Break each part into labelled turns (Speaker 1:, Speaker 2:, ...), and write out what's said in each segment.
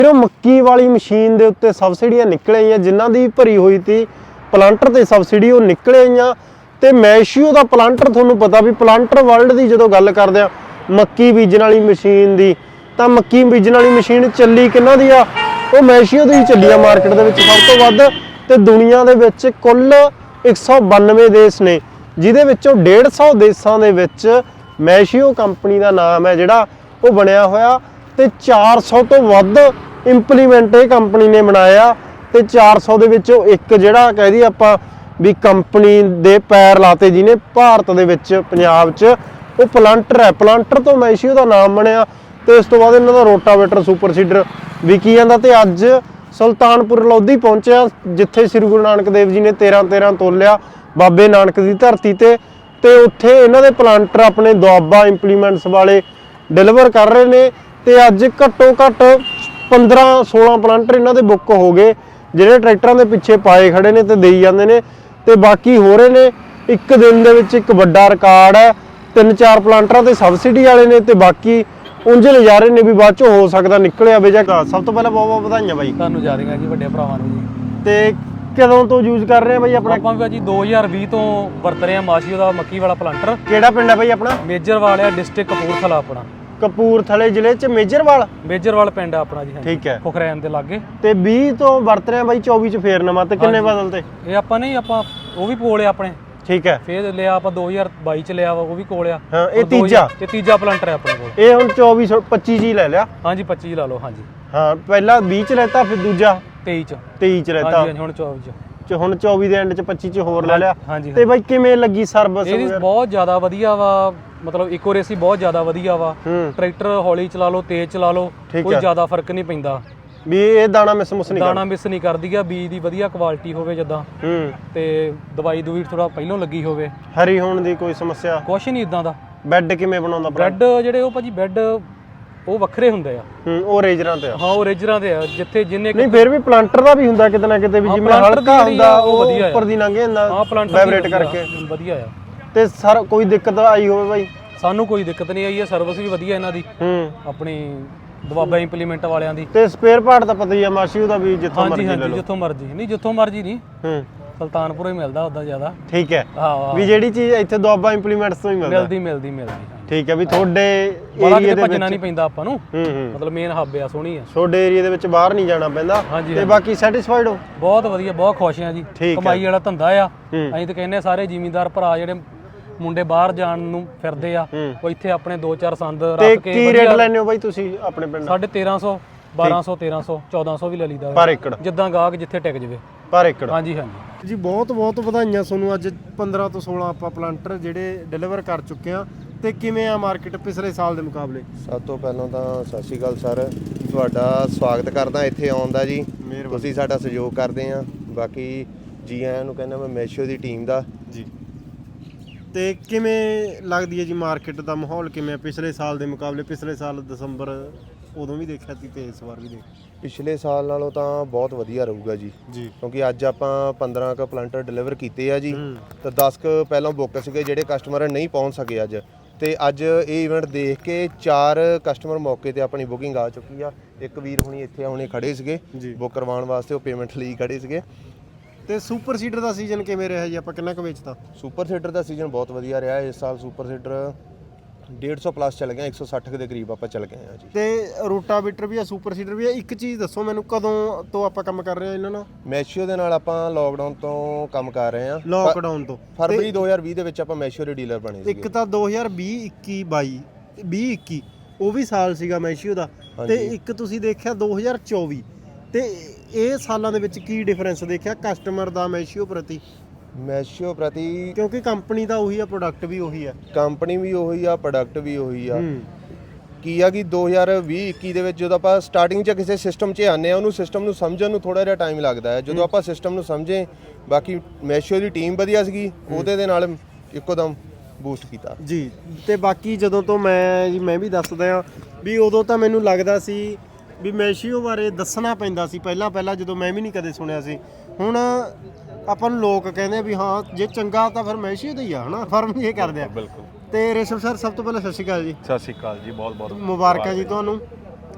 Speaker 1: ਫਿਰ ਮੱਕੀ ਵਾਲੀ ਮਸ਼ੀਨ ਦੇ ਉੱਤੇ ਸਬਸਿਡੀਆਂ ਨਿਕਲ ਆਈਆਂ, ਜਿਨ੍ਹਾਂ ਦੀ ਭਰੀ ਹੋਈ ਤੀ ਪਲਾਂਟਰ ਤੇ ਸਬਸਿਡੀ ਉਹ ਨਿਕਲ ਆਈਆਂ। ਤੇ ਮੈਸ਼ੀਓ ਦਾ ਪਲਾਂਟਰ ਤੁਹਾਨੂੰ ਪਤਾ ਵੀ ਪਲਾਂਟਰ ਵਰਲਡ ਦੀ ਜਦੋਂ ਗੱਲ ਕਰਦੇ ਆ ਮੱਕੀ ਬੀਜਣ ਵਾਲੀ ਮਸ਼ੀਨ ਦੀ, ਤਾਂ ਮੱਕੀ ਬੀਜਣ ਵਾਲੀ ਮਸ਼ੀਨ ਚੱਲੀ ਕਿਹਨਾਂ ਦੀ ਆ? ਉਹ ਮੈਸ਼ੀਓ ਦੀ ਹੀ ਚੱਲੀ ਆ ਮਾਰਕੀਟ ਦੇ ਵਿੱਚ ਸਭ ਤੋਂ ਵੱਧ। ਤੇ ਦੁਨੀਆ ਦੇ ਵਿੱਚ ਕੁੱਲ 192 ਦੇਸ਼ ਨੇ, ਜਿਹਦੇ ਵਿੱਚੋਂ 150 ਦੇਸ਼ਾਂ ਦੇ ਵਿੱਚ ਮੈਸ਼ੀਓ ਕੰਪਨੀ ਦਾ ਨਾਮ ਹੈ ਜਿਹੜਾ ਉਹ ਬਣਿਆ ਹੋਇਆ। ਤੇ 400 ਤੋਂ ਵੱਧ ਇੰਪਲੀਮੈਂਟ ਇਹ ਕੰਪਨੀ ਨੇ ਬਣਾਇਆ। ਤੇ 400 ਦੇ ਵਿੱਚੋਂ ਇੱਕ ਜਿਹੜਾ ਕਹਿ ਦਈਏ ਆਪਾਂ ਵੀ ਕੰਪਨੀ ਦੇ ਪੈਰ ਲਾਤੇ ਜਿਹਨੇ ਭਾਰਤ ਦੇ ਵਿੱਚ ਪੰਜਾਬ 'ਚ, ਉਹ ਪਲਾਂਟਰ ਹੈ। ਪਲਾਂਟਰ ਤੋਂ ਮੈਸ਼ੀਓ ਦਾ ਨਾਮ ਬਣਿਆ। ਤੇ ਇਸ ਤੋਂ ਬਾਅਦ ਇਹਨਾਂ ਦਾ ਰੋਟਾਵੇਟਰ ਸੁਪਰ ਸੀਡਰ ਵਿਕੀ ਜਾਂਦਾ। ਤੇ ਅੱਜ ਸੁਲਤਾਨਪੁਰ ਲੋਧੀ ਪਹੁੰਚਿਆ, ਜਿੱਥੇ ਸ੍ਰੀ ਗੁਰੂ ਨਾਨਕ ਦੇਵ ਜੀ ਨੇ 13 ਤੋਲਿਆ ਬਾਬੇ ਨਾਨਕ ਦੀ ਧਰਤੀ ਤੇ ਉੱਥੇ ਇਹਨਾਂ ਦੇ ਪਲਾਂਟਰ ਆਪਣੇ ਦੁਆਬਾ ਇੰਪਲੀਮੈਂਟਸ ਵਾਲੇ ਡਿਲੀਵਰ ਕਰ ਰਹੇ ਨੇ। ਤੇ ਅੱਜ ਘੱਟੋ ਘੱਟ 15-16 ਪਲਾਂਟਰ ਇਹਨਾਂ ਦੇ ਬੁੱਕ ਹੋ ਗਏ, ਜਿਹੜੇ ਟਰੈਕਟਰਾਂ ਦੇ ਪਿੱਛੇ ਪਾਏ ਖੜੇ ਨੇ ਤੇ ਦੇਈ ਜਾਂਦੇ ਨੇ। ਤੇ ਬਾਕੀ ਹੋ ਰਹੇ ਨੇ। ਇੱਕ ਦਿਨ ਦੇ ਵਿੱਚ ਇੱਕ ਵੱਡਾ ਰਿਕਾਰਡ ਹੈ, 3-4 ਪਲਾਂਟਰਾਂ ਤੇ ਸਬਸਿਡੀ ਵਾਲੇ ਨੇ ਤੇ ਬਾਕੀ ਉਂਝ ਨਜ਼ਾਰੇ ਨੇ ਵੀ ਬਾਅਦ ਚੋਂ ਹੋ ਸਕਦਾ ਨਿਕਲਿਆ ਵੇ। ਜਾਂ ਸਭ ਤੋਂ ਪਹਿਲਾਂ ਬਹੁਤ ਬਹੁਤ ਵਧਾਈਆਂ ਬਾਈ
Speaker 2: ਤੁਹਾਨੂੰ ਜਾ ਰਹੀਆਂ ਜੀ ਵੱਡੇ ਭਰਾਵਾਂ ਨੂੰ ਜੀ।
Speaker 1: ਤੇ ਕਦੋਂ ਤੋਂ ਯੂਜ਼ ਕਰ ਰਹੇ ਆ ਬਾਈ ਆਪਣਾ?
Speaker 2: ਆਪਾਂ ਵੀ ਜੀ 2020 ਤੋਂ ਵਰਤ ਰਹੇ ਆ ਮੈਸ਼ੀਓ ਦਾ ਮੱਕੀ ਵਾਲਾ ਪਲਾਂਟਰ।
Speaker 1: ਕਿਹੜਾ ਪਿੰਡ ਹੈ ਬਾਈ ਆਪਣਾ?
Speaker 2: ਮੇਜਰਵਾਲ ਆ, ਡਿਸਟ੍ਰਿਕਟ ਕਪੂਰਥਲਾ ਆਪਣਾ।
Speaker 1: ਕਪੂਰਥਲੇ ਜ਼ਿਲ੍ਹੇ 'ਚ ਮੇਜਰਵਾਲ
Speaker 2: ਪਿੰਡ ਆ ਆਪਣਾ ਜੀ।
Speaker 1: ਠੀਕ ਹੈ,
Speaker 2: ਖੁਖਰੈਨ ਦੇ ਲਾਗੇ।
Speaker 1: ਤੇ 20 ਤੋਂ ਵਰਤ ਰਹੇ ਆ ਬਾਈ, 24 'ਚ ਫੇਰ ਨਵਾਂ। ਤੇ ਕਿੰਨੇ ਬਦਲ ਤੇ?
Speaker 2: ਇਹ ਆਪਾਂ ਨਹੀਂ, ਆਪਾਂ ਉਹ ਵੀ ਕੋਲ ਆ ਆਪਣੇ।
Speaker 1: ਠੀਕ ਹੈ,
Speaker 2: ਫੇਰ ਲਿਆ ਆਪਾਂ 2022 ਚ ਲਿਆ ਵਾ, ਉਹ ਵੀ ਕੋਲ ਆ।
Speaker 1: ਹਾਂ, ਇਹ ਤੀਜਾ
Speaker 2: ਪਲਾਂਟਰ ਹੈ ਆਪਣੇ ਕੋਲ।
Speaker 1: ਇਹ ਹੁਣ 24-25 ਜੀ ਲੈ ਲਿਆ।
Speaker 2: ਹਾਂਜੀ 25 ਲਾ ਲਓ। ਹਾਂਜੀ
Speaker 1: ਹਾਂ, ਪਹਿਲਾਂ 20 ਚ ਲੈਤਾ, ਫਿਰ ਦੂਜਾ
Speaker 2: 23
Speaker 1: ਚ ਲੈਤਾ।
Speaker 2: ਹਾਂਜੀ ਹੁਣ 24 ਚ।
Speaker 1: ਹੁਣ 24 ਦੇ ਐਂਡ ਚ 25 ਚ ਹੋਰ ਲੈ ਲਿਆ।
Speaker 2: ਹਾਂਜੀ।
Speaker 1: ਤੇ ਬਾਈ ਕਿਵੇਂ ਲੱਗੀ ਸਰਵਿਸ?
Speaker 2: ਇਹਦੀ ਬਹੁਤ ਜ਼ਿਆਦਾ ਵਧੀਆ ਵਾ, ਮਤਲਬ ਇਕੋਰੇਸੀ ਬਹੁਤ ਜ਼ਿਆਦਾ ਵਧੀਆ ਵਾ। ਟਰੈਕਟਰ ਹੌਲੀ ਚਲਾ ਲਓ, ਤੇਜ਼ ਚਲਾ ਲਓ, ਕੋਈ ਜ਼ਿਆਦਾ ਫਰਕ ਨਹੀਂ ਪੈਂਦਾ।
Speaker 1: ਵੀ ਇਹ ਦਾਣਾ ਮਿਸ ਨਹੀਂ
Speaker 2: ਕਰਦੀ ਆ। ਬੀਜ ਦੀ ਵਧੀਆ ਕੁਆਲਿਟੀ ਹੋਵੇ ਜਿੱਦਾਂ, ਤੇ ਦਵਾਈ ਦੂਈ ਥੋੜਾ ਪਹਿਲਾਂ ਲੱਗੀ ਹੋਵੇ।
Speaker 1: ਹਰੀ ਹੋਣ ਦੀ ਕੋਈ ਸਮੱਸਿਆ
Speaker 2: ਕੁਛ ਨਹੀਂ ਇਦਾਂ ਦਾ।
Speaker 1: ਬੈੱਡ ਕਿਵੇਂ ਬਣਾਉਂਦਾ?
Speaker 2: ਬੈੱਡ ਜਿਹੜੇ ਉਹ ਭਾਜੀ ਬੈੱਡ ਉਹ ਵੱਖਰੇ ਹੁੰਦੇ ਆ।
Speaker 1: ਉਹ ਰੇਜਰਾਂ ਤੇ ਆ।
Speaker 2: ਹਾਂ, ਉਹ ਰੇਜਰਾਂ ਤੇ ਆ। ਜਿੱਥੇ ਜਿੰਨੇ
Speaker 1: ਨਹੀਂ, ਫਿਰ ਵੀ ਪਲਾਂਟਰ ਦਾ ਵੀ ਹੁੰਦਾ ਕਿਤੇ ਨਾ ਕਿਤੇ, ਵੀ ਜਿਵੇਂ ਹਲਕਾ ਹੁੰਦਾ ਉਹ ਵਧੀਆ ਉੱਪਰ ਦੀ ਲੰਘ ਜਾਂਦਾ।
Speaker 2: ਹਾਂ, ਪਲਾਂਟਰ
Speaker 1: ਵਾਈਬ੍ਰੇਟ ਕਰਕੇ
Speaker 2: ਵਧੀਆ ਆ।
Speaker 1: ਤੇ ਸਰ ਕੋਈ ਦਿੱਕਤ ਆਈ ਹੋਵੇ ਬਾਈ?
Speaker 2: ਸਾਨੂੰ ਕੋਈ ਦਿੱਕਤ ਨਹੀਂ ਆਈ ਹੈ। ਸਰਵਿਸ ਵੀ ਵਧੀਆ ਇਹਨਾਂ ਦੀ, ਆਪਣੀ ਦੁਆਬਾ ਇੰਪਲੀਮੈਂਟ ਵਾਲਿਆਂ ਦੀ।
Speaker 1: ਤੇ ਸਪੇਅਰ ਪਾਰਟ ਤਾਂ ਪਤਾ ਹੀ ਆ ਮੈਸ਼ੀਓ ਦਾ ਵੀ, ਜਿੱਥੋਂ ਮਰਜ਼ੀ ਲੈ ਲਓ।
Speaker 2: ਜਿੱਥੋਂ ਮਰਜ਼ੀ ਨਹੀਂ। ਸੁਲਤਾਨਪੁਰ ਹੀ ਮਿਲਦਾ ਉਦਾਂ ਜ਼ਿਆਦਾ।
Speaker 1: ਠੀਕ ਹੈ, ਵੀ ਜਿਹੜੀ ਚੀਜ਼ ਇੱਥੇ ਦੁਆਬਾ ਇੰਪਲੀਮੈਂਟਸ ਤੋਂ ਹੀ
Speaker 2: ਮਿਲਦੀ।
Speaker 1: ਠੀਕ ਹੈ, ਵੀ ਤੁਹਾਡੇ
Speaker 2: ਏਰੀਆ ਦੇ ਵਿੱਚ ਭੱਜਣਾ ਨਹੀਂ ਪੈਂਦਾ ਆਪਾਂ ਨੂੰ। ਮਤਲਬ ਮੇਨ ਹੱਬ ਆ, ਸੋਹਣੀ ਆ।
Speaker 1: ਤੁਹਾਡੇ ਏਰੀਆ ਦੇ ਵਿੱਚ ਬਾਹਰ ਨਹੀਂ ਜਾਣਾ ਪੈਂਦਾ। ਤੇ ਬਾਕੀ ਸੈਟੀਸਫਾਈਡ ਹੋ?
Speaker 2: ਬਹੁਤ ਵਧੀਆ, ਬਹੁਤ ਖੁਸ਼ ਆ ਜੀ। ਕਮਾਈ ਵਾਲਾ ਧੰਦਾ ਆ। ਅਸੀਂ ਤਾਂ ਕਹਿੰਦੇ ਸਾਰੇ ਜ਼ਿਮੀਂਦਾਰ ਭਰਾ ਜਿਹੜੇ ਮੁੰਡੇ ਬਾਹਰ ਜਾਣ ਨੂੰ ਫਿਰਦੇ ਆ, ਉਹ ਇੱਥੇ ਆਪਣੇ 2-4 ਸੰਦ ਰੱਖ ਕੇ।
Speaker 1: ਕੀ ਰੇਟ ਲੈਣੇ ਹੋ ਬਾਈ ਤੁਸੀਂ ਆਪਣੇ ਪਿੰਡ?
Speaker 2: 1350, 1200, 1300, 1400 ਵੀ ਲੈ ਲਈਦਾ
Speaker 1: ਪਰ ਏਕੜ,
Speaker 2: ਜਿੱਦਾਂ ਗਾਹਕ ਜਿੱਥੇ ਟਿਕ ਜਾਵੇ
Speaker 1: ਪਰ ਏਕੜ।
Speaker 2: ਹਾਂਜੀ
Speaker 1: ਜੀ, ਬਹੁਤ ਬਹੁਤ ਵਧਾਈਆਂ ਤੁਹਾਨੂੰ। ਅੱਜ 15 ਤੋਂ 16 ਆਪਾਂ ਪਲਾਂਟਰ ਜਿਹੜੇ ਡਿਲੀਵਰ ਕਰ ਚੁੱਕੇ ਆ। ਤੇ ਕਿਵੇਂ ਆ ਮਾਰਕੀਟ ਪਿਛਲੇ ਸਾਲ ਦੇ ਮੁਕਾਬਲੇ?
Speaker 3: ਸਭ ਤੋਂ ਪਹਿਲਾਂ ਤਾਂ ਸਤਿ ਸ਼੍ਰੀ ਅਕਾਲ ਸਰ, ਤੁਹਾਡਾ ਸਵਾਗਤ ਕਰਦਾ ਇੱਥੇ ਆਉਣ ਦਾ ਜੀ। ਤੁਸੀਂ ਸਾਡਾ ਸਹਿਯੋਗ ਕਰਦੇ ਆ। ਬਾਕੀ ਜੀ ਆਇਆਂ ਨੂੰ ਕਹਿੰਦਾ ਮੈਂ ਮੈਸ਼ੀਓ ਦੀ ਟੀਮ ਦਾ
Speaker 1: ਜੀ। ਤੇ ਕਿਵੇਂ ਲੱਗਦੀ ਹੈ ਜੀ ਮਾਰਕੀਟ ਦਾ ਮਾਹੌਲ? ਕਿਵੇਂ ਪਿਛਲੇ ਸਾਲ ਦੇ ਮੁਕਾਬਲੇ? ਪਿਛਲੇ ਸਾਲ ਦਸੰਬਰ ਉਦੋਂ ਵੀ ਦੇਖਿਆ ਸੀ ਤੇ ਇਸ ਵਾਰ ਵੀ
Speaker 3: ਪਿਛਲੇ ਸਾਲ ਨਾਲੋਂ ਤਾਂ ਬਹੁਤ ਵਧੀਆ ਰਹੂਗਾ ਜੀ। ਕਿਉਂਕਿ ਅੱਜ ਆਪਾਂ 15 ਕ ਪਲਾਂਟਰ ਡਿਲੀਵਰ ਕੀਤੇ ਆ ਜੀ। ਤਾਂ 10 ਕ ਪਹਿਲਾਂ ਬੁੱਕ ਸੀਗੇ, ਜਿਹੜੇ ਕਸਟਮਰ ਨਹੀਂ ਪਹੁੰਚ ਸਕੇ ਅੱਜ। ਤੇ ਅੱਜ ਇਹ ਇਵੈਂਟ ਦੇਖ ਕੇ 4 ਕਸਟਮਰ ਮੌਕੇ ਤੇ ਆਪਣੀ ਬੁਕਿੰਗ ਆ ਚੁੱਕੀ ਆ। ਇੱਕ ਵੀਰ ਹੁਣੀ ਇੱਥੇ ਹੁਣੇ ਖੜੇ ਸੀਗੇ ਬੁੱਕ ਕਰਵਾਉਣ ਵਾਸਤੇ, ਉਹ ਪੇਮੈਂਟ ਲਈ ਖੜੇ ਸੀਗੇ।
Speaker 1: ਤੇ ਸੁਪਰ ਸੀਡਰ ਦਾ ਸੀਜ਼ਨ ਕਿਵੇਂ ਰਿਹਾ ਜੀ? ਆਪਾਂ ਕਿੰਨਾ ਕੁ ਵੇਚਤਾ?
Speaker 3: ਸੁਪਰ ਸੀਡਰ ਦਾ ਸੀਜ਼ਨ ਬਹੁਤ ਵਧੀਆ ਰਿਹਾ ਇਸ ਸਾਲ। ਸੁਪਰ ਸੀਡਰ 150 ਪਲੱਸ ਚੱਲ ਗਿਆ, 160 ਦੇ ਕਰੀਬ ਆਪਾਂ ਚੱਲ ਗਏ ਆ ਜੀ।
Speaker 1: ਤੇ ਰੋਟਾਵੇਟਰ ਵੀ ਆ, ਸੁਪਰ ਸੀਡਰ ਵੀ ਆ। ਇੱਕ ਚੀਜ਼ ਦੱਸੋ ਮੈਨੂੰ, ਕਦੋਂ ਤੋਂ ਆਪਾਂ ਕੰਮ ਕਰ ਰਹੇ ਆ ਇਹਨਾਂ ਨਾਲ?
Speaker 3: ਮੈਸ਼ੀਓ ਦੇ ਨਾਲ ਆਪਾਂ ਲੋਕਡਾਊਨ ਤੋਂ ਕੰਮ ਕਰ ਰਹੇ ਆ।
Speaker 1: ਲੋਕਡਾਊਨ ਤੋਂ
Speaker 3: ਫਰਵਰੀ 2020 ਦੇ ਵਿੱਚ ਆਪਾਂ ਮੈਸ਼ੀਓ ਦੇ ਡੀਲਰ ਬਣੇ ਸੀ।
Speaker 1: ਇੱਕ ਤਾਂ 2020, 21, 22, 21 ਉਹ ਵੀ ਸਾਲ ਸੀਗਾ ਮੈਸ਼ੀਓ ਦਾ। ਤੇ ਇੱਕ ਤੁਸੀਂ ਦੇਖਿਆ 2024। ਤੇ ਇਹ ਸਾਲਾਂ ਦੇ ਵਿੱਚ ਕੀ ਡਿਫਰੈਂਸ ਦੇਖਿਆ ਕਸਟਮਰ ਦਾ ਮੈਸ਼ੀਓ ਪ੍ਰਤੀ?
Speaker 3: ਮੈਸ਼ੀਓ ਪ੍ਰਤੀ
Speaker 1: ਕਿਉਂਕਿ ਕੰਪਨੀ ਤਾਂ ਉਹੀ ਆ, ਪ੍ਰੋਡਕਟ ਵੀ ਉਹੀ ਆ।
Speaker 3: ਕੰਪਨੀ ਵੀ ਉਹੀ ਆ, ਪ੍ਰੋਡਕਟ ਵੀ ਉਹੀ ਆ। ਕੀ ਆ ਕਿ 2020-21 ਦੇ ਵਿੱਚ ਜਦੋਂ ਆਪਾਂ ਸਟਾਰਟਿੰਗ 'ਚ ਕਿਸੇ ਸਿਸਟਮ 'ਚ ਆਉਂਦੇ ਆ, ਉਹਨੂੰ ਸਿਸਟਮ ਨੂੰ ਸਮਝਣ ਨੂੰ ਥੋੜਾ ਜਿਹਾ ਟਾਈਮ ਲੱਗਦਾ ਹੈ। ਜਦੋਂ ਆਪਾਂ ਸਿਸਟਮ ਨੂੰ ਸਮਝੇ, ਬਾਕੀ ਮੈਸ਼ੀਓ ਦੀ ਟੀਮ ਵਧੀਆ ਸੀਗੀ, ਉਹਦੇ ਦੇ ਨਾਲ ਇੱਕੋ ਦਮ ਬੂਸਟ ਕੀਤਾ
Speaker 1: ਜੀ। ਤੇ ਬਾਕੀ ਜਦੋਂ ਤੋਂ ਮੈਂ ਵੀ ਦੱਸਦਾ ਆ ਵੀ ਉਦੋਂ ਤਾਂ ਮੈਨੂੰ ਲੱਗਦਾ ਸੀ ਵੀ ਮੈਸ਼ੀਓ ਬਾਰੇ ਦੱਸਣਾ ਪੈਂਦਾ ਸੀ ਪਹਿਲਾਂ ਜਦੋਂ ਮੈਂ ਵੀ ਨਹੀਂ ਕਦੇ ਸੁਣਿਆ ਸੀ। ਹੁਣ ਆਪਾਂ ਨੂੰ ਲੋਕ ਕਹਿੰਦੇ ਆ ਵੀ ਹਾਂ ਜੇ ਚੰਗਾ ਤਾਂ ਫਿਰ ਮੈਸ਼ੀਓ ਦਾ ਹੀ ਆ, ਹਨਾ? ਫਰਮ ਇਹ ਕਰਦੇ ਆ।
Speaker 4: ਬਿਲਕੁਲ।
Speaker 1: ਤੇ ਰੇਸ਼ਮ ਸਰ, ਸਭ ਤੋਂ ਪਹਿਲਾਂ ਸਤਿ ਸ਼੍ਰੀ ਅਕਾਲ ਜੀ।
Speaker 4: ਸਤਿ ਸ਼੍ਰੀ ਅਕਾਲ ਜੀ, ਬਹੁਤ ਬਹੁਤ
Speaker 1: ਮੁਬਾਰਕਾਂ ਜੀ ਤੁਹਾਨੂੰ।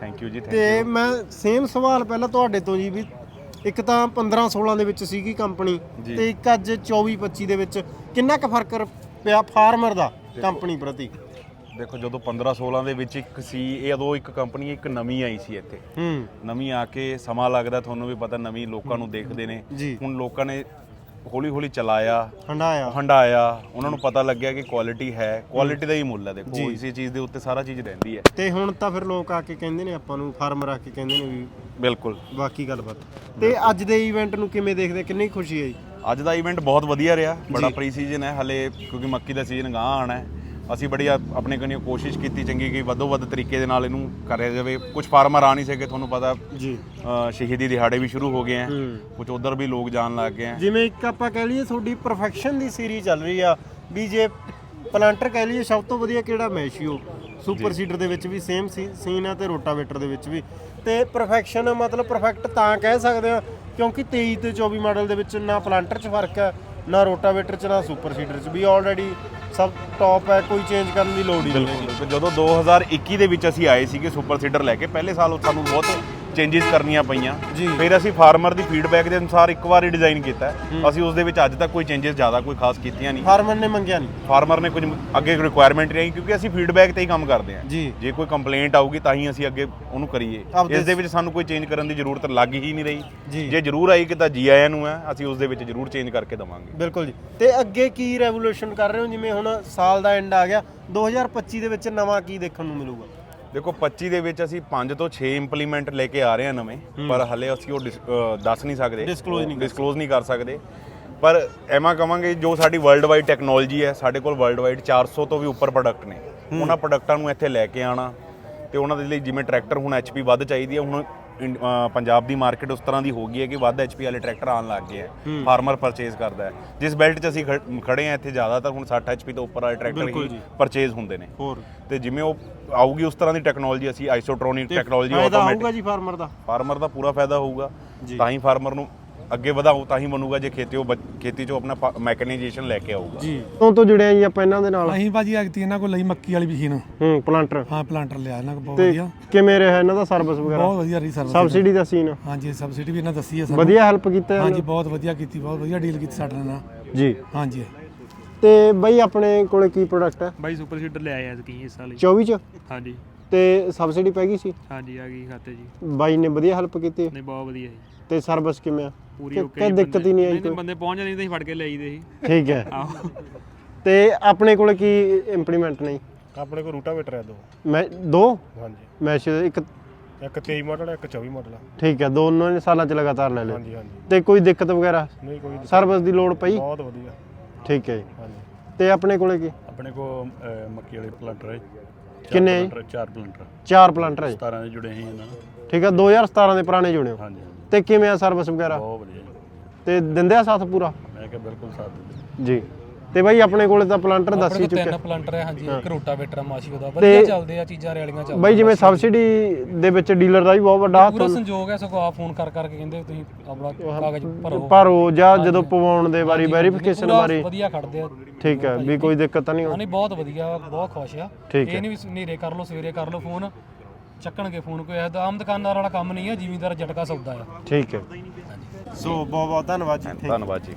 Speaker 4: ਥੈਂਕ ਯੂ ਜੀ
Speaker 1: ਤੇ ਮੈਂ ਸੇਮ ਸਵਾਲ ਪਹਿਲਾਂ ਤੁਹਾਡੇ ਤੋਂ ਜੀ ਵੀ ਇੱਕ ਤਾਂ 15-16 ਦੇ ਵਿੱਚ ਸੀਗੀ ਕੰਪਨੀ ਤੇ ਇੱਕ ਅੱਜ 24-25 ਦੇ ਵਿੱਚ ਕਿੰਨਾ ਕੁ ਫਰਕ ਪਿਆ ਫਾਰਮਰ ਦਾ ਕੰਪਨੀ ਪ੍ਰਤੀ?
Speaker 4: ਦੇਖੋ ਜਦੋਂ 15-16 ਦੇ ਵਿੱਚ ਇੱਕ ਸੀ, ਇਹ ਉਦੋਂ ਇੱਕ ਕੰਪਨੀ ਇੱਕ ਨਵੀਂ ਆਈ ਸੀ ਇੱਥੇ, ਨਵੀਂ ਆ ਕੇ ਸਮਾਂ ਲੱਗਦਾ, ਤੁਹਾਨੂੰ ਵੀ ਪਤਾ, ਨਵੀਂ ਲੋਕਾਂ ਨੂੰ ਦੇਖਦੇ ਨੇ। ਹੁਣ ਲੋਕਾਂ ਨੇ ਹੌਲੀ ਹੌਲੀ ਚਲਾਇਆ, ਹੰਡਾਇਆ, ਉਹਨਾਂ ਨੂੰ ਪਤਾ ਲੱਗਿਆ ਕਿ ਕੁਆਲਿਟੀ ਹੈ, ਕੁਆਲਿਟੀ ਦਾ ਹੀ ਮੁੱਲ ਹੈ। ਦੇਖੋ ਇਸੇ ਚੀਜ਼ ਦੇ ਉੱਤੇ ਸਾਰਾ ਚੀਜ਼ ਰਹਿੰਦੀ ਹੈ।
Speaker 1: ਤੇ ਹੁਣ ਤਾਂ ਫਿਰ ਲੋਕ ਆ ਕੇ ਕਹਿੰਦੇ ਨੇ ਆਪਾਂ ਨੂੰ, ਫਾਰਮਰ ਆ ਕੇ ਕਹਿੰਦੇ ਨੇ ਵੀ
Speaker 4: ਬਿਲਕੁਲ
Speaker 1: ਬਾਕੀ ਗੱਲਬਾਤ। ਤੇ ਅੱਜ ਦੇ ਇਵੈਂਟ ਨੂੰ ਕਿਵੇਂ ਦੇਖਦੇ, ਕਿੰਨੀ ਖੁਸ਼ੀ ਹੈ ਜੀ?
Speaker 4: ਅੱਜ ਦਾ ਇਵੈਂਟ ਬਹੁਤ ਵਧੀਆ ਰਿਹਾ, ਬੜਾ ਪ੍ਰੀ ਸੀਜ਼ਨ ਹੈ ਹਲੇ, ਕਿਉਂਕਿ ਮੱਕੀ ਦਾ ਸੀਜ਼ਨ ਗਾਂ ਆਉਣਾ ਹੈ। ਅਸੀਂ ਬੜੀ ਆਪਣੇ ਕਨੀ ਕੋਸ਼ਿਸ਼ ਕੀਤੀ ਚੰਗੀ ਕਿ ਵੱਧੋ ਵੱਧ ਤਰੀਕੇ ਦੇ ਨਾਲ ਇਹਨੂੰ ਕਰਿਆ ਜਾਵੇ। ਕੁਝ ਫਾਰਮਰ ਆ ਨਹੀਂ ਸਕੇ, ਤੁਹਾਨੂੰ ਪਤਾ ਜੀ, ਸ਼ਹੀਦੀ ਦਿਹਾੜੇ ਵੀ ਸ਼ੁਰੂ ਹੋ ਗਏ ਆ, ਕੁਝ ਉਧਰ ਵੀ ਲੋਕ ਜਾਣ ਲੱਗ ਗਏ ਆ।
Speaker 1: ਜਿਵੇਂ ਇੱਕ ਆਪਾਂ ਕਹਿ ਲਈਏ ਤੁਹਾਡੀ ਪਰਫੈਕਸ਼ਨ ਦੀ ਸੀਰੀਜ਼ ਚੱਲ ਰਹੀ ਆ ਵੀ, ਜੇ ਪਲਾਂਟਰ ਕਹਿ ਲਈਏ ਸਭ ਤੋਂ ਵਧੀਆ ਕਿਹੜਾ ਮੈਸ਼ੀਓ, ਸੁਪਰ ਸੀਡਰ ਦੇ ਵਿੱਚ ਵੀ ਸੇਮ ਸੀਨ ਆ ਤੇ ਰੋਟਾਵੇਟਰ ਦੇ ਵਿੱਚ ਵੀ। ਤੇ ਪਰਫੈਕਸ਼ਨ ਮਤਲਬ ਪਰਫੈਕਟ ਤਾਂ ਕਹਿ ਸਕਦੇ ਆ ਕਿਉਂਕਿ 23 ਤੇ 24 ਮਾਡਲ ਦੇ ਵਿੱਚ ਨਾ ਪਲਾਂਟਰ 'ਚ ਫਰਕ ਹੈ, ਨਾ ਰੋਟਾਵੇਟਰ 'ਚ, ਨਾ ਸੁਪਰ ਸੀਡਰ 'ਚ, ਵੀ ਆਲਰੇਡੀ ਸਭ ਟੌਪ ਹੈ, ਕੋਈ ਚੇਂਜ ਕਰਨ ਦੀ ਲੋੜ ਹੀ ਨਹੀਂ।
Speaker 4: ਜਦੋਂ 2021 ਦੇ ਵਿੱਚ ਅਸੀਂ ਆਏ ਸੀਗੇ ਸੁਪਰ ਸੀਡਰ ਲੈ ਕੇ, ਪਹਿਲੇ ਸਾਲ ਸਾਨੂੰ ਬਹੁਤ ਚੇਂਜਸ ਕਰਨੀਆਂ ਪਈਆਂ। ਫਿਰ ਅਸੀਂ ਫਾਰਮਰ ਦੀ ਫੀਡਬੈਕ ਦੇ ਅਨੁਸਾਰ ਇੱਕ ਵਾਰ ਹੀ ਡਿਜ਼ਾਈਨ ਕੀਤਾ। ਅਸੀਂ ਉਸ ਦੇ ਵਿੱਚ ਅੱਜ ਤੱਕ ਕੋਈ ਚੇਂਜਸ ਜ਼ਿਆਦਾ ਕੋਈ ਖਾਸ ਕੀਤੀਆਂ ਨਹੀਂ।
Speaker 1: ਫਾਰਮਰ ਨੇ ਮੰਗਿਆ ਨਹੀਂ,
Speaker 4: ਫਾਰਮਰ ਨੇ ਕੁਝ ਅੱਗੇ ਰਿਕੁਆਇਰਮੈਂਟ ਨਹੀਂ, ਕਿਉਂਕਿ ਅਸੀਂ ਫੀਡਬੈਕ ਤੇ ਹੀ ਕੰਮ ਕਰਦੇ ਹਾਂ। ਜੇ ਕੋਈ ਕੰਪਲੇਂਟ ਆਊਗੀ ਤਾਂ ਹੀ ਅਸੀਂ ਅੱਗੇ ਉਹਨੂੰ ਕਰੀਏ। ਇਸ ਦੇ ਵਿੱਚ ਸਾਨੂੰ ਕੋਈ ਚੇਂਜ ਕਰਨ ਦੀ ਜ਼ਰੂਰਤ ਲੱਗ ਹੀ ਨਹੀਂ ਰਹੀ। ਜੇ ਜ਼ਰੂਰ ਆਈ ਕਿ ਤਾਂ ਜੀ ਆਇਆਂ ਨੂੰ ਹੈ, ਅਸੀਂ ਉਸ ਦੇ ਵਿੱਚ ਜ਼ਰੂਰ ਚੇਂਜ ਕਰਕੇ ਦੇਵਾਂਗੇ।
Speaker 1: ਬਿਲਕੁਲ ਜੀ। ਤੇ ਅੱਗੇ ਕੀ ਰੈਵੋਲੂਸ਼ਨ ਕਰ ਰਹੇ ਹੋ? ਜਿਵੇਂ ਹੁਣ ਸਾਲ ਦਾ ਐਂਡ ਆ ਗਿਆ, 2025 ਦੇ ਵਿੱਚ ਨਵਾਂ ਕੀ ਦੇਖਣ ਨੂੰ ਮਿਲੂਗਾ?
Speaker 4: ਦੇਖੋ 25 ਦੇ ਵਿੱਚ ਅਸੀਂ 5 ਤੋਂ 6 ਇੰਪਲੀਮੈਂਟ ਲੈ ਕੇ ਆ ਰਹੇ ਹਾਂ ਨਵੇਂ, ਪਰ ਹਲੇ ਅਸੀਂ ਉਹ ਦੱਸ ਨਹੀਂ ਸਕਦੇ, ਡਿਸਕਲੋਜ਼ ਨਹੀਂ ਕਰ ਸਕਦੇ। ਪਰ ਐਵੇਂ ਕਵਾਂਗੇ ਜੋ ਸਾਡੀ ਵਰਲਡ ਵਾਈਡ ਟੈਕਨੋਲੋਜੀ ਹੈ, ਸਾਡੇ ਕੋਲ ਵਰਲਡ ਵਾਈਡ 400 ਤੋਂ ਵੀ ਉੱਪਰ ਪ੍ਰੋਡਕਟ ਨੇ। ਉਹਨਾਂ ਪ੍ਰੋਡਕਟਾਂ ਨੂੰ ਇੱਥੇ ਲੈ ਕੇ ਆਉਣਾ ਤੇ ਉਹਨਾਂ ਦੇ ਲਈ, ਜਿਵੇਂ ਟਰੈਕਟਰ ਹੁਣ HP ਵੱਧ ਚਾਹੀਦੀ ਹੈ, ਹੁਣ ਪੰਜਾਬ ਦੀ ਮਾਰਕੀਟ ਉਸ ਤਰ੍ਹਾਂ ਦੀ ਹੋ ਗਈ ਹੈ ਕਿ ਵੱਧ HP ਵਾਲੇ ਟਰੈਕਟਰ ਆਉਣ ਲੱਗ ਗਏ ਹੈ, ਫਾਰਮਰ ਪਰਚੇਜ਼ ਕਰਦਾ ਹੈ। ਜਿਸ ਬੈਲਟ 'ਚ ਅਸੀਂ ਖੜੇ ਹਾਂ ਇੱਥੇ ਜ਼ਿਆਦਾਤਰ ਹੁਣ 60 HP ਤੋਂ ਉੱਪਰ ਵਾਲੇ ਟਰੈਕਟਰ ਹੀ ਪਰਚੇਜ਼ ਹੁੰਦੇ ਨੇ। ਤੇ ਜਿਵੇਂ ਉਹ ਆਊਗੀ ਉਸ ਤਰ੍ਹਾਂ ਦੀ ਟੈਕਨੋਲੋਜੀ, ਅਸੀਂ ਆਈਸੋਟ੍ਰੋਨਿਕ ਟੈਕਨੋਲੋਜੀ,
Speaker 1: ਆਟੋਮੈਟਿਕ ਜੀ
Speaker 4: ਫਾਰਮਰ ਦਾ ਪੂਰਾ ਫਾਇਦਾ ਹੋਊਗਾ। ਤਾਂ ਹੀ ਫਾਰਮਰ ਨੂੰ ਅੱਗੇ ਵਧਾਓ, ਤਾਂ ਹੀ ਬਣੂਗਾ ਜੇ ਖੇਤੀ 'ਚੋਂ ਆਪਣਾ ਮੈਕਨਾਈਜੇਸ਼ਨ ਲੈ ਕੇ ਆਊਗਾ।
Speaker 1: ਜੀ ਤੋਂ ਜੁੜਿਆ ਜੀ ਆਪਾਂ ਇਹਨਾਂ ਦੇ ਨਾਲ।
Speaker 5: ਅਸੀਂ ਭਾਜੀ ਐਕਤੀ ਇਹਨਾਂ ਕੋਲ ਲਈ ਮੱਕੀ ਵਾਲੀ ਮਸ਼ੀਨ,
Speaker 1: ਪਲਾਂਟਰ।
Speaker 5: ਹਾਂ ਪਲਾਂਟਰ ਲਿਆ ਇਹਨਾਂ ਕੋਲ, ਬਹੁਤ ਵਧੀਆ।
Speaker 1: ਕਿਵੇਂ ਰਿਹਾ ਇਹਨਾਂ ਦਾ ਸਰਵਿਸ ਵਗੈਰਾ?
Speaker 5: ਬਹੁਤ ਵਧੀਆ ਰਹੀ ਸਰਵਿਸ।
Speaker 1: ਸਬਸਿਡੀ ਦਾ ਸੀਨ?
Speaker 5: ਹਾਂਜੀ ਸਬਸਿਡੀ ਵੀ ਇਹਨਾਂ ਦੱਸੀ ਹੈ ਸਾਨੂੰ, ਵਧੀਆ
Speaker 1: ਹੈਲਪ ਕੀਤਾ।
Speaker 5: ਹਾਂਜੀ ਬਹੁਤ ਵਧੀਆ ਕੀਤੀ, ਬਹੁਤ ਵਧੀਆ ਡੀਲ ਕੀਤੀ ਸਾਡੇ ਨਾਲ
Speaker 1: ਜੀ।
Speaker 5: ਹਾਂਜੀ।
Speaker 1: ਤੇ ਬਈ ਆਪਣੇ ਕੋਲੇ ਕੀ ਪ੍ਰੋਡਕਟ ਹੈ?
Speaker 6: ਬਾਈ ਸੁਪਰ ਸੀਡਰ ਲੈ ਆਇਆ ਸੀ ਇਸ ਸਾਲ
Speaker 1: 24 ਚ?
Speaker 6: ਹਾਂਜੀ।
Speaker 1: ਤੇ ਸਬਸਿਡੀ ਪੈ ਗਈ ਸੀ?
Speaker 6: ਹਾਂਜੀ ਆ ਗਈ ਖਾਤੇ ਜੀ।
Speaker 1: ਬਾਈ ਨੇ ਵਧੀਆ ਹੈਲਪ ਕੀਤੀ?
Speaker 6: ਨਹੀਂ ਬਹੁਤ ਵਧੀਆ ਜੀ।
Speaker 1: ਤੇ ਸਰਵਿਸ ਕਿਵੇਂ ਆ?
Speaker 6: ਪੂਰੀ ਓਕੇ।
Speaker 1: ਕੋਈ ਦਿੱਕਤ ਹੀ ਨਹੀਂ ਆਈ?
Speaker 6: ਬੰਦੇ ਪਹੁੰਚ ਜਾਂਦੇ ਤਾਂ ਅਸੀਂ ਫੜ ਕੇ ਲੈ ਆਈਦੇ ਸੀ।
Speaker 1: ਠੀਕ ਹੈ। ਤੇ ਆਪਣੇ ਕੋਲੇ ਕੀ ਇੰਪਲੀਮੈਂਟ ਨਹੀਂ?
Speaker 7: ਆਪਣੇ ਕੋਲ ਰੂਟਾਵੇਟਰ ਹੈ
Speaker 1: ਦੋ।
Speaker 7: ਹਾਂਜੀ।
Speaker 1: ਮੈਸ਼ ਇੱਕ
Speaker 7: 23 ਮਾਡਲ ਹੈ, ਇੱਕ 24 ਮਾਡਲ ਹੈ।
Speaker 1: ਠੀਕ ਹੈ, ਦੋਨੋਂ ਨੇ ਸਾਲਾਂ ਚ ਲਗਾਤਾਰ ਲੈ ਲਏ।
Speaker 7: ਹਾਂਜੀ ਹਾਂਜੀ।
Speaker 1: ਤੇ ਕੋਈ ਦਿੱਕਤ ਵਗੈਰਾ
Speaker 7: ਨਹੀਂ? ਕੋਈ
Speaker 1: ਸਰਵਿਸ ਦੀ ਲੋੜ ਪਈ?
Speaker 7: ਬਹੁਤ ਵਧੀਆ।
Speaker 1: ਠੀਕ ਹੈ ਜੀ।
Speaker 7: ਹਾਂਜੀ।
Speaker 1: ਤੇ ਆਪਣੇ ਕੋਲੇ ਕੀ?
Speaker 7: ਆਪਣੇ ਕੋਲ ਮੱਕੀ ਵਾਲੇ ਪਲਾਂਟਰ ਹੈ।
Speaker 1: ਕਿੰਨੇ?
Speaker 7: 4 ਪਲਾਂਟਰ।
Speaker 1: 4 ਪਲਾਂਟਰ ਹੈ।
Speaker 7: 17 ਦੇ ਜੁੜੇ ਸੀ ਇਹਨਾਂ ਨਾਲ।
Speaker 1: ਠੀਕ ਹੈ, 2017 ਦੇ ਪੁਰਾਣੇ ਜੁੜੇ ਹੋ?
Speaker 7: ਹਾਂਜੀ।
Speaker 1: ਤੇ ਕਿਵੇਂ ਆ ਸਰਵਿਸ ਵਗੈਰਾ?
Speaker 7: ਬਹੁਤ ਵਧੀਆ
Speaker 1: ਤੇ ਦਿੰਦੇ ਆ ਸਾਥ ਪੂਰਾ?
Speaker 7: ਮੈਂ ਕਿਹਾ ਬਿਲਕੁਲ ਸਾਥ ਦਿੰਦੇ
Speaker 1: ਜੀ। ਤੇ ਬਾਈ ਆਪਣੇ ਕੋਲੇ ਤਾਂ ਪਲਾਂਟਰ ਦੱਸ ਹੀ ਚੁੱਕੇ।
Speaker 2: 3 ਪਲਾਂਟਰ ਹੈ ਹਾਂਜੀ, ਇੱਕ ਰੋਟਾਵੇਟਰ ਮਾਸ਼ੀਓ ਦਾ, ਵਧੀਆ ਚੱਲਦੇ ਆ ਚੀਜ਼ਾਂ, ਰੈਲੀਆਂ ਚੱਲਦੀਆਂ।
Speaker 1: ਬਾਈ ਜਿਵੇਂ ਸਬਸਿਡੀ ਦੇ ਵਿੱਚ ਡੀਲਰ ਦਾ ਵੀ ਬਹੁਤ ਵੱਡਾ ਹੱਥ
Speaker 2: ਪੂਰਾ ਸੰਯੋਗ ਹੈ, ਸਗੋਂ ਆ ਫੋਨ ਕਰਕੇ ਕਹਿੰਦੇ ਤੁਸੀਂ ਆਪਣਾ ਕਾਗਜ਼
Speaker 1: ਭਰੋ ਜਾਂ ਜਦੋਂ ਪਵਾਉਣ ਦੇ ਵਾਰੀ ਵੈਰੀਫਿਕੇਸ਼ਨ ਵਾਰੀ
Speaker 2: ਵਧੀਆ ਖੜਦੇ ਆ।
Speaker 1: ਠੀਕ ਹੈ, ਵੀ ਕੋਈ ਦਿੱਕਤ ਤਾਂ ਨਹੀਂ
Speaker 2: ਨਹੀਂ ਬਹੁਤ ਵਧੀਆ, ਬਹੁਤ ਖੁਸ਼ ਆ। ਇਹ ਨਹੀਂ ਵੀ ਹਨੇਰੇ ਕਰ ਲਓ ਸਵੇਰੇ ਕਰ ਲਓ ਫੋਨ, ਚੱਕਣਗੇ ਫੋਨ। ਕੋਈ ਆਮ ਦੁਕਾਨਦਾਰ ਵਾਲਾ ਕੰਮ ਨਹੀਂ ਹੈ, ਜ਼ਿਮੀਂਦਾਰ ਜਟਕਾ ਸੌਦਾ ਆ।
Speaker 1: ਠੀਕ ਹੈ। ਸੋ ਬਹੁਤ ਬਹੁਤ ਧੰਨਵਾਦ ਜੀ।
Speaker 4: ਧੰਨਵਾਦ ਜੀ।